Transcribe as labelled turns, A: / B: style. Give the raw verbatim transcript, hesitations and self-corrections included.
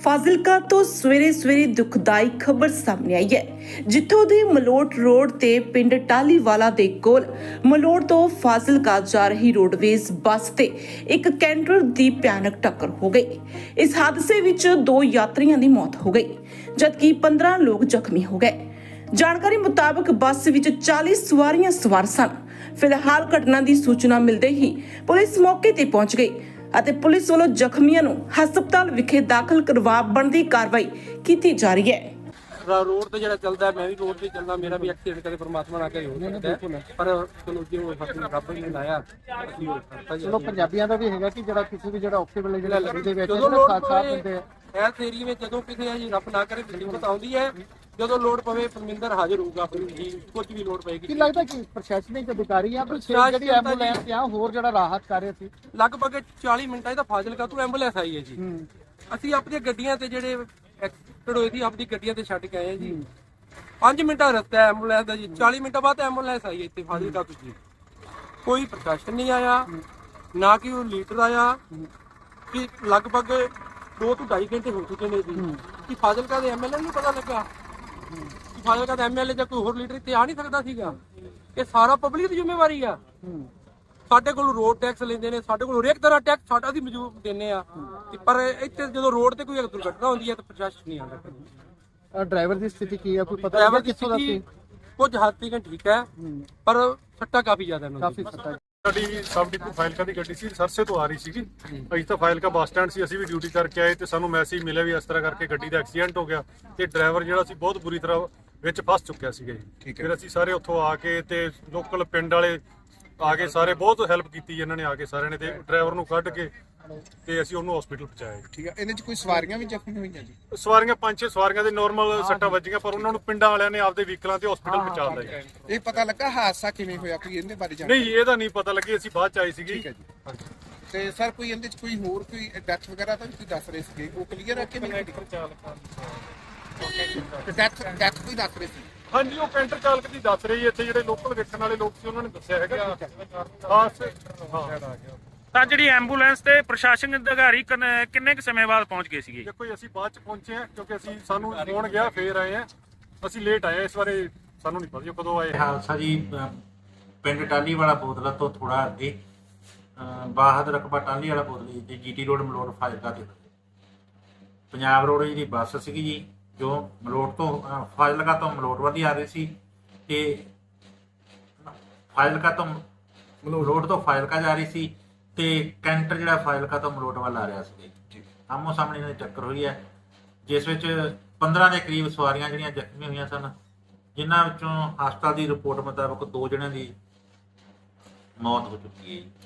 A: ਫਾਜ਼ਿਲਕਾ ਤੋਂ ਸਵੇਰੇ ਸਵੇਰੇ ਦੁਖਦਾਈ ਖਬਰ ਸਾਹਮਣੇ ਆਈ ਹੈ, ਜਿੱਥੋਂ ਦੀ ਮਲੋਟ ਰੋਡ ਤੇ ਪਿੰਡ ਟਾਲੀਵਾਲਾ ਦੇ ਕੋਲ ਮਲੋਟ ਤੋਂ ਫਾਜ਼ਿਲਕਾ ਜਾ ਰਹੀ ਰੋਡਵੇਜ਼ ਬੱਸ ਤੇ ਇੱਕ ਕੈਂਟਰ ਦੀ ਭਿਆਨਕ ਟੱਕਰ ਹੋ ਗਈ। ਇਸ ਹਾਦਸੇ ਵਿੱਚ ਦੋ ਯਾਤਰੀਆਂ ਦੀ ਮੌਤ ਹੋ ਗਈ, ਜਦਕਿ ਪੰਦਰਾਂ ਲੋਕ ਜ਼ਖਮੀ ਹੋ ਗਏ। ਜਾਣਕਾਰੀ ਮੁਤਾਬਕ ਬੱਸ ਵਿੱਚ ਚਾਲੀ ਸਵਾਰੀਆਂ ਸਵਾਰ ਸਨ। ਫਿਲਹਾਲ ਘਟਨਾ ਦੀ ਸੂਚਨਾ ਮਿਲਦੇ ਹੀ ਪੁਲਿਸ ਮੌਕੇ ਤੇ ਪਹੁੰਚ ਗਈ ਅਤੇ ਪੁਲਿਸ ਵੱਲੋਂ ਜ਼ਖਮੀਆਂ ਨੂੰ ਹਸਪਤਾਲ ਵਿਖੇ ਦਾਖਲ ਕਰਵਾ ਬਣਦੀ ਕਾਰਵਾਈ ਕੀਤੀ ਜਾ ਰਹੀ ਹੈ।
B: रोड ਤੇ ਜਿਹੜਾ ਚੱਲਦਾ ਮੈਂ ਵੀ ਰੋਡ ਤੇ ਚੱਲਦਾ, ਮੇਰਾ ਵੀ ਐਕਸੀਡੈਂਟ ਕਦੇ ਪਰਮਾਤਮਾ ਨਾ ਕਰੇ ਹੋ ਸਕਦਾ ਹੈ, ਪਰ ਚਲੋ ਜੀ ਉਹ ਹੱਥ ਨੂੰ ਰੱਬ ਨੇ ਲਾਇਆ।
C: ਚਲੋ ਪੰਜਾਬੀਆਂ ਦਾ ਵੀ ਹੈਗਾ ਕਿ ਜਿਹੜਾ ਕਿਸੇ ਵੀ ਜਿਹੜਾ ਔਖੇ ਵੇਲੇ ਜਿਹੜਾ ਲੱਗੀ ਦੇ ਵਿੱਚ
B: ਜਦੋਂ
C: ਸਾਥ ਸਾਥ ਦਿੰਦੇ ਆ।
B: ਇਸ ਏਰੀਏ ਵਿੱਚ ਜਦੋਂ ਕਿਸੇ ਹੈ ਜੀ ਰੱਬ ਨਾ ਕਰੇ ਮੁਸੀਬਤ ਆਉਂਦੀ ਹੈ, ਜਦੋਂ ਲੋੜ ਪਵੇ ਪਰਮਿੰਦਰ ਹਾਜ਼ਰ ਹੋਊਗਾ ਆਪਣੀ ਜੀ, ਕੁਝ ਵੀ ਲੋੜ ਪਏਗੀ।
C: ਕੀ ਲੱਗਦਾ ਕਿ ਪ੍ਰਸ਼ਾਸਨਿਕ ਅਧਿਕਾਰੀ ਆ ਜਿਹੜੀ ਐਂਬੂਲੈਂਸ ਆ ਹੋਰ ਜਿਹੜਾ ਰਾਹਤ ਕਰ ਰਹੇ ਸੀ?
B: ਲਗਭਗ ਚਾਲੀ ਮਿੰਟਾਂ ਇਹਦਾ ਫਾਜ਼ਿਲਕਾ ਤੋਂ ਐਂਬੂਲੈਂਸ ਆਈ ਹੈ ਜੀ। ਅਸੀਂ ਆਪਣੀਆਂ ਗੱਡੀਆਂ ਤੇ ਜਿਹੜੇ ਐਕਸੀਡੈਂਟ ਹੋਏ ਸੀ ਆਪਣੀ ਗੱਡੀਆਂ ਤੇ ਛੱਡ ਕੇ ਆਏ ਆ ਜੀ। ਪੰਜ ਮਿੰਟਾਂ ਦਾ ਰਸਤਾ ਹੈ ਐਂਬੂਲੈਂਸ ਦਾ ਜੀ, ਚਾਲੀ ਮਿੰਟਾਂ ਬਾਅਦ ਐਂਬੂਲੈਂਸ ਆਈ ਹੈ ਇੱਥੇ ਫਾਜ਼ਿਲਕਾ ਤੋਂ ਜੀ। ਕੋਈ ਪ੍ਰਸ਼ਾਸਨ ਨਹੀਂ ਆਇਆ, ਨਾ ਕਿ ਉਹ ਲੀਡਰ ਆਇਆ। ਕਿ ਲਗਭਗ ਦੋ ਤੋਂ ਢਾਈ ਘੰਟੇ ਹੋ ਚੁੱਕੇ ਨੇ ਜੀ ਕਿ ਫਾਜ਼ਿਲਕਾ ਦੇ ਐਮਐਲਏ ਨੂੰ ਪਤਾ ਲੱਗਾ ਕਿ ਫਾਜ਼ਿਲਕਾ ਦਾ ਐਮਐਲਏ ਜਾਂ ਕੋਈ ਹੋਰ ਲੀਡਰ ਇੱਥੇ ਆ ਨਹੀਂ ਸਕਦਾ ਸੀਗਾ। ਇਹ ਸਾਰਾ ਪਬਲਿਕ ਦੀ ਜ਼ਿੰਮੇਵਾਰੀ ਆ। ਸਾਡੇ ਕੋਲ ਰੋਡ ਟੈਕਸ ਲੈਂਦੇ ਨੇ, ਸਾਡੇ ਕੋਲ ਹਰੇਕ ਤਰ੍ਹਾਂ ਟੈਕਸ ਸਾਡਾ ਅਸੀਂ ਮੌਜੂਦ ਦਿੰਦੇ ਆ, ਪਰ ਇੱਥੇ ਜਦੋਂ ਰੋਡ ਤੇ ਕੋਈ ਦੁਰਘਟਨਾ ਹੁੰਦੀ ਹੈ ਤਾਂ ਪ੍ਰਸ਼ਾਸਨ ਨਹੀਂ ਆਉਂਦਾ।
C: ਡਰਾਈਵਰ ਦੀ ਸਥਿਤੀ ਕੀ ਹੈ, ਕੋਈ ਪਤਾ
B: ਡਰਾਈਵਰ
C: ਲੱਗਾ ਕਿੱਥੋਂ ਦਾ ਸੀ?
B: ਕੁਝ ਹੱਦ ਤੱਕ ਠੀਕ ਹੈ, ਪਰ ਸੱਟਾਂ ਕਾਫੀ ਜ਼ਿਆਦਾ ਨੇ।
C: ਕਾਫੀ ਸੱਟਾਂ।
D: ਸਾਡੀ ਸਬ ਡਿਪੂ ਫਾਜ਼ਿਲਕਾ ਦੀ ਗੱਡੀ ਸੀ, ਸਰਸੇ ਤੋਂ ਆ ਰਹੀ ਸੀਗੀ। ਅਸੀਂ ਤਾਂ ਫਾਜ਼ਿਲਕਾ ਬੱਸ ਸਟੈਂਡ ਸੀ, ਅਸੀਂ ਵੀ ਡਿਊਟੀ ਕਰਕੇ ਆਏ ਤੇ ਸਾਨੂੰ ਮੈਸੇਜ ਮਿਲਿਆ ਵੀ ਇਸ ਤਰ੍ਹਾਂ ਕਰਕੇ ਗੱਡੀ ਦਾ ਐਕਸੀਡੈਂਟ ਹੋ ਗਿਆ ਤੇ ਡਰਾਈਵਰ ਜਿਹੜਾ ਸੀ ਬਹੁਤ ਬੁਰੀ ਤਰ੍ਹਾਂ ਵਿੱਚ ਫਸ ਚੁੱਕਿਆ ਸੀਗਾ ਜੀ। ਫਿਰ ਅਸੀਂ ਸਾਰੇ ਉੱਥੋਂ ਆ ਕੇ ਤੇ ਲੋਕਲ ਪਿੰਡ ਵਾਲੇ ਆ ਕੇ ਸਾਰੇ ਬਹੁਤ ਹੈਲਪ ਕੀਤੀ ਇਹਨਾਂ ਨੇ, ਆ ਕੇ ਸਾਰਿਆਂ ਨੇ ਤੇ ਡਰਾਈਵਰ ਨੂੰ ਕੱਢ ਕੇ ਤੇ ਅਸੀਂ ਉਹਨੂੰ ਹਸਪੀਟਲ ਪਹੁੰਚਾਇਆ।
E: ਠੀਕ ਹੈ, ਇਹਦੇ ਚ ਕੋਈ ਸਵਾਰੀਆਂ ਵੀ ਜ਼ਖਮੀ ਹੋਈਆਂ ਜੀ?
D: ਸਵਾਰੀਆਂ ਪੰਜ ਛੇ ਸਵਾਰੀਆਂ ਦੇ ਨਾਰਮਲ ਸੱਟਾਂ ਵੱਜੀਆਂ, ਪਰ ਉਹਨਾਂ ਨੂੰ ਪਿੰਡਾਂ ਵਾਲਿਆਂ ਨੇ ਆਪਦੇ ਵਹੀਕਲਾਂ ਤੇ ਹਸਪੀਟਲ ਪਹੁੰਚਾ ਲਿਆ ਜੀ।
E: ਇਹ ਪਤਾ ਲੱਗਾ ਹਾਦਸਾ ਕਿਵੇਂ ਹੋਇਆ, ਕੋਈ ਇਹਦੇ ਬਾਰੇ ਜਾਣਕਾਰੀ?
D: ਨਹੀਂ, ਇਹਦਾ ਨਹੀਂ ਪਤਾ ਲੱਗੀ, ਅਸੀਂ ਬਾਅਦ ਚ ਆਏ ਸੀਗੇ।
E: ਠੀਕ ਹੈ ਜੀ। ਤੇ ਸਰ ਕੋਈ ਇਹਦੇ ਚ ਕੋਈ ਹੋਰ ਕੋਈ ਡੈਥ ਵਗੈਰਾ ਤਾਂ ਤੁਸੀਂ ਦੱਸ ਰਹੇ ਸੀਗੇ, ਉਹ ਕਲੀਅਰ ਹੈ ਕਿ ਨਹੀਂ? ਡੈਥ ਡੈਥ ਕੋਈ ਦੱਸ ਰਹੇ ਸੀ?
D: ਹਾਂਜੀ, ਉਹ ਕੈਂਟਰ ਚਾਲਕ ਦੀ ਦੱਸ ਰਹੀ ਹੈ। ਇੱਥੇ ਜਿਹੜੇ ਲੋਕਲ ਵੇਖਣ ਵਾਲੇ ਲੋਕ ਸੀ ਉਹਨਾਂ ਨੇ ਦੱਸਿਆ ਹੈਗਾ। ਹਾਂ,
F: ਤਾਂ ਜਿਹੜੀ ਐਂਬੂਲੈਂਸ ਤੇ ਪ੍ਰਸ਼ਾਸਨ ਅਧਿਕਾਰੀ ਕਿੰਨ- ਕਿੰਨੇ ਕੁ ਸਮੇਂ ਬਾਅਦ ਪਹੁੰਚ ਗਏ ਸੀਗੇ?
D: ਦੇਖੋ ਜੀ, ਅਸੀਂ ਬਾਅਦ ਚ ਪਹੁੰਚੇ ਹਾਂ ਕਿਉਂਕਿ ਅਸੀਂ ਸਾਨੂੰ ਫੋਨ ਗਿਆ ਫੇਰ ਆਏ ਆ। ਅਸੀਂ ਲੇਟ ਆਏ, ਇਸ ਬਾਰੇ ਸਾਨੂੰ ਨਹੀਂ ਪਤਾ ਜੀ ਕਦੋਂ ਆਏ।
G: ਹਾਦਸਾ ਜੀ ਅ, ਪਿੰਡ ਟਾਲੀ ਵਾਲਾ ਬੋਦਲਾ ਤੋਂ ਥੋੜਾ ਅੱਗੇ ਅ, ਬਾਹਦ ਰਕਬਾ ਟਾਲੀ ਵਾਲਾ ਬੋਦਲੀ ਤੇ ਜੀਟੀ ਰੋਡ ਮਲੋਟ ਫਾਜ਼ਿਲਕਾ ਤੇ ਪੰਜਾਬ ਰੋਡ ਦੀ ਬੱਸ ਸੀਗੀ ਜੀ, ਜੋ ਮਲੋਟ ਤੋਂ ਅ, ਫਾਜ਼ਿਲਕਾ ਤੋਂ ਮਲੋਟ ਵੱਲ ਆ ਰਹੀ ਸੀ ਤੇ ਫਾਜ਼ਿਲਕਾ ਤੋਂ ਮਲੋਟ ਤੋਂ ਫਾਜ਼ਿਲਕਾ ਜਾ ਰਹੀ ਸੀ ਤੇ ਕੈਂਟਰ ਜਿਹੜਾ ਫਾਜ਼ਿਲਕਾ ਤੋਂ ਮਲੋਟ ਵੱਲ ਆ ਰਿਹਾ ਸੀ। ਆਮੋ ਸਾਹਮਣੇ ਇਹਨਾਂ ਦੀ ਟੱਕਰ ਹੋਈ ਹੈ, ਜਿਸ ਵਿੱਚ ਪੰਦਰਾਂ ਦੇ ਕਰੀਬ ਸਵਾਰੀਆਂ ਜਿਹੜੀਆਂ ਜ਼ਖਮੀ ਹੋਈਆਂ ਸਨ, ਜਿਨ੍ਹਾਂ ਵਿੱਚੋਂ ਹਸਪਤਾਲ ਦੀ ਰਿਪੋਰਟ ਮੁਤਾਬਕ ਦੋ ਜਣਿਆਂ ਦੀ ਮੌਤ ਹੋ ਚੁੱਕੀ ਹੈ।